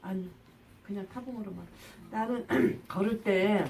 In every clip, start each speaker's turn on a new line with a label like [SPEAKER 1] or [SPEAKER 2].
[SPEAKER 1] 아니 그냥 타봉으로만. 나는 걸을 때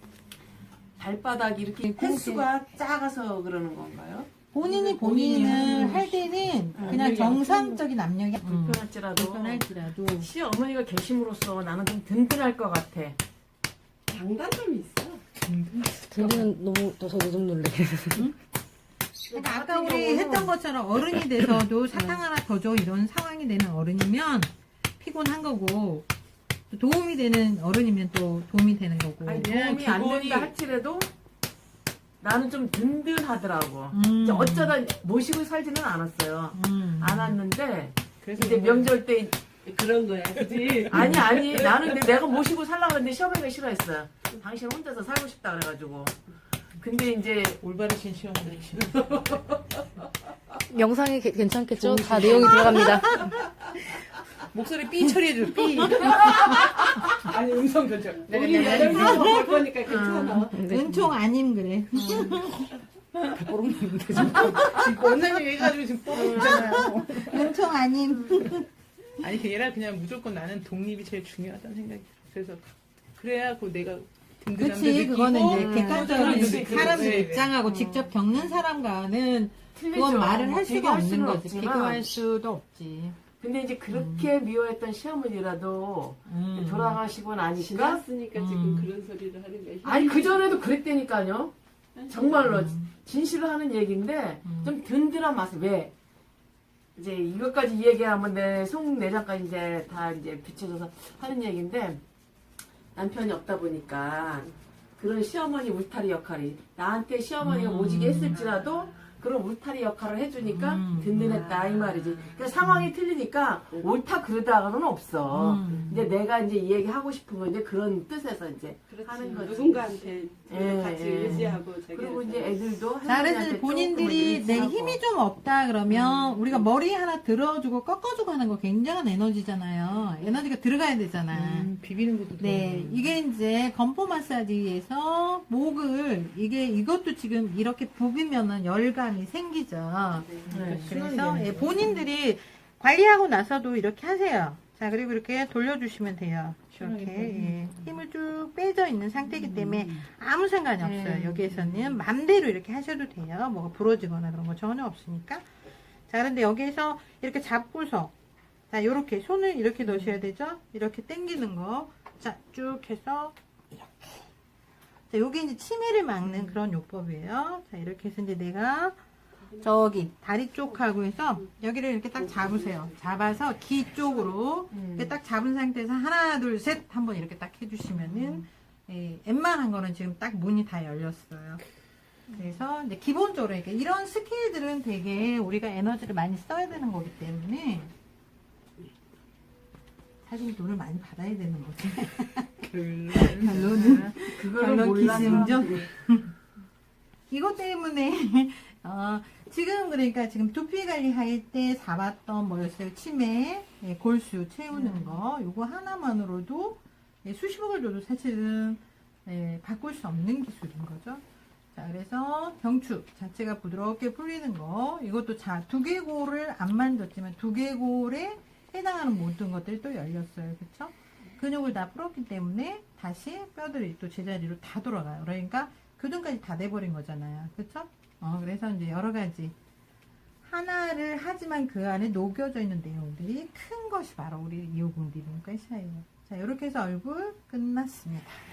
[SPEAKER 1] 발바닥이 이렇게 횟수가 작아서 그러는 건가요?
[SPEAKER 2] 본인을 할 때는 그냥 정상적인 압력이
[SPEAKER 1] 불편할지라도 시어머니가 계심으로써 나는 좀 든든할 것 같아.
[SPEAKER 3] 장단점이 있어.
[SPEAKER 4] 든든은 너무 저도 좀 놀래.
[SPEAKER 2] 그러니까 아까 우리 했던 것처럼 어른이 돼서도 사탕 하나 더 줘 이런 상황이 되는 어른이면 피곤한 거고, 도움이 되는 어른이면 또 도움이 되는 거고.
[SPEAKER 1] 아니, 도움이 안 된다 할지라도 나는 좀 든든하더라고. 어쩌다 모시고 살지는 않았어요. 안 왔는데 이제 명절 때
[SPEAKER 3] 그런 거야, 그지?
[SPEAKER 1] 아니 나는 근데 내가 모시고 살라고 했는데 시어머니가 싫어했어요. 당신 혼자서 살고 싶다 그래가지고. 근데 이제
[SPEAKER 5] 올바르신 시험을
[SPEAKER 4] 영상이 괜찮겠죠? 다 내용이 들어갑니다.
[SPEAKER 5] 목소리 삐 처리해줘. 삐.
[SPEAKER 3] 아니, 음성 변조. 우리 8명 볼 거니까 괜찮아.
[SPEAKER 2] 은총 아님 그래.
[SPEAKER 5] 다 뽀록났는데 지금. 원장님 해가지고 지금 뽀록이잖아요.
[SPEAKER 2] 은총 아님.
[SPEAKER 5] 아니 그게 아니라 그냥 무조건 나는 독립이 제일 중요하다는 생각이 들어. 그래서 그래야 내가 든든함도
[SPEAKER 2] 그치,
[SPEAKER 5] 느끼고
[SPEAKER 2] 그거는 이제 객관적인
[SPEAKER 5] 그렇지,
[SPEAKER 2] 사람들
[SPEAKER 5] 그렇지.
[SPEAKER 2] 입장하고 직접 겪는 사람과는
[SPEAKER 1] 틀리죠.
[SPEAKER 2] 그건 말을 할 수가
[SPEAKER 1] 비교할
[SPEAKER 2] 없는
[SPEAKER 1] 수는
[SPEAKER 2] 거지.
[SPEAKER 1] 없지만.
[SPEAKER 2] 비교할 수도 없지.
[SPEAKER 1] 근데 이제 그렇게 미워했던 시어머니라도 돌아가시고 나니까
[SPEAKER 3] 지났으니까 지금 그런 소리를 하는 거야.
[SPEAKER 1] 아니 그전에도 그랬다니까요. 정말로 진실로 하는 얘기인데 좀 든든한 맛을 왜 이제 이것까지 얘기하면 내 속내장까지 이제 다 이제 비춰져서 하는 얘기인데 남편이 없다 보니까 그런 시어머니 울타리 역할이 나한테 시어머니가 오지게 했을지라도 그런 울타리 역할을 해주니까 든든했다 이 말이지. 그러니까 상황이 틀리니까 옳다 그러다가는 없어. 이제 내가 이제 이 얘기 하고 싶은 건 이제 그런 뜻에서 이제
[SPEAKER 3] 그렇지.
[SPEAKER 1] 하는 거지.
[SPEAKER 3] 누군가한테
[SPEAKER 1] 예,
[SPEAKER 3] 같이
[SPEAKER 1] 예.
[SPEAKER 3] 의지하고
[SPEAKER 1] 그리고 이제 애들도
[SPEAKER 2] 자, 그래서
[SPEAKER 1] 할머니한테
[SPEAKER 2] 본인들이
[SPEAKER 1] 조금
[SPEAKER 2] 내
[SPEAKER 1] 의지하고.
[SPEAKER 2] 힘이 좀 없다 그러면 우리가 머리 하나 들어주고 꺾어주고 하는 거 굉장한 에너지잖아요. 에너지가 들어가야 되잖아.
[SPEAKER 5] 비비는 것도
[SPEAKER 2] 네, 이게 이제 건포 마사지에서 목을 이것도 지금 이렇게 부비면은 열감이 생기죠.
[SPEAKER 1] 네.
[SPEAKER 2] 그래서 예, 본인들이 관리하고 나서도 이렇게 하세요. 자, 그리고 이렇게 돌려주시면 돼요. 이렇게 예, 힘을 쭉 빼져 있는 상태이기 때문에 아무 상관이 없어요. 여기에서는 맘대로 이렇게 하셔도 돼요. 뭐가 부러지거나 그런 거 전혀 없으니까. 자, 그런데 여기에서 이렇게 잡고서 자, 요렇게 손을 이렇게 넣으셔야 되죠. 이렇게 당기는 거. 자, 쭉 해서 이렇게. 자, 요게 이제 치매를 막는 그런 요법이에요. 자, 이렇게 해서 이제 내가 저기 다리 쪽하고 해서 여기를 이렇게 딱 잡으세요. 잡아서 귀 쪽으로 이렇게 딱 잡은 상태에서 하나, 둘, 셋 한번 이렇게 딱 해주시면은 예, 웬만한 거는 지금 딱 문이 다 열렸어요. 그래서 이제 기본적으로 이런 스킬들은 되게 우리가 에너지를 많이 써야 되는 거기 때문에 사실 돈을 많이 받아야 되는 거지. 결론은 결론 기승전. 이것 때문에 지금 그러니까 지금 두피 관리할 때 잡았던 뭐였어요? 치매, 예, 골수 채우는 거 요거 하나만으로도 예, 수십억을 줘도 사실은 예, 바꿀 수 없는 기술인 거죠. 자, 그래서 경추 자체가 부드럽게 풀리는 거 이것도 자 두개골을 안 만졌지만 두개골에 해당하는 모든 것들이 또 열렸어요. 그쵸? 근육을 다 풀었기 때문에 다시 뼈들이 또 제자리로 다 돌아가요. 그러니까 교정까지 다 돼버린 거잖아요. 그쵸? 그래서 이제 여러 가지 하나를 하지만 그 안에 녹여져 있는 내용들이 큰 것이 바로 우리 이호궁 리듬 가시아예요. 자, 이렇게 해서 얼굴 끝났습니다.